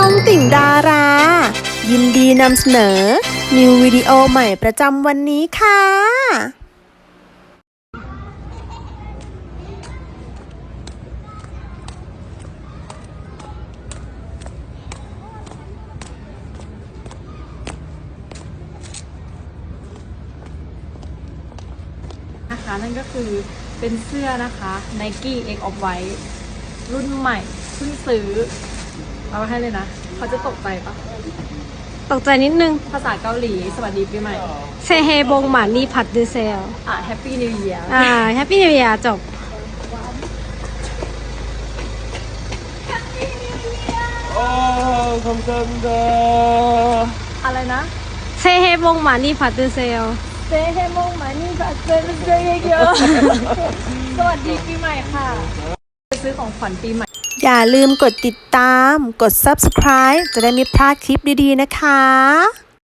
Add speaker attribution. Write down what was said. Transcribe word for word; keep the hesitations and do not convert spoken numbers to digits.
Speaker 1: องติ่งดารา ยินดีนำเสนอ นิววิดีโอใหม่ประจำวันนี้ค่ะ
Speaker 2: นะคะนั่นก็คือเป็นเสื้อนะคะ Nike X of White รุ่นใหม่เพิ่งซื้อเอามาให้เลยนะเขาจะตกใจปะ
Speaker 3: ตกใจนิดนึง
Speaker 2: ภาษาเกาหลีสวัสดีปีใหม่
Speaker 3: เซเฮบงหมานี่ผัดดูเซล
Speaker 2: อ่ะ Happy New Year
Speaker 3: อ่าแฮปปี้นิว e ย r จบ
Speaker 4: 어, 감사합니다.
Speaker 2: อะไรนะ
Speaker 3: เซเฮบงหมานี่ผัดดูเซล
Speaker 2: เซเฮโมงมานี่แบบเซนเซเยอะ สวัสดีปีใหม่ค่ะจะซื้อของขวัญปีใหม่
Speaker 1: อย่าลืมกดติดตาม กด ซับสไครบ์ จะได้ไม่พลาดคลิปดีๆนะคะ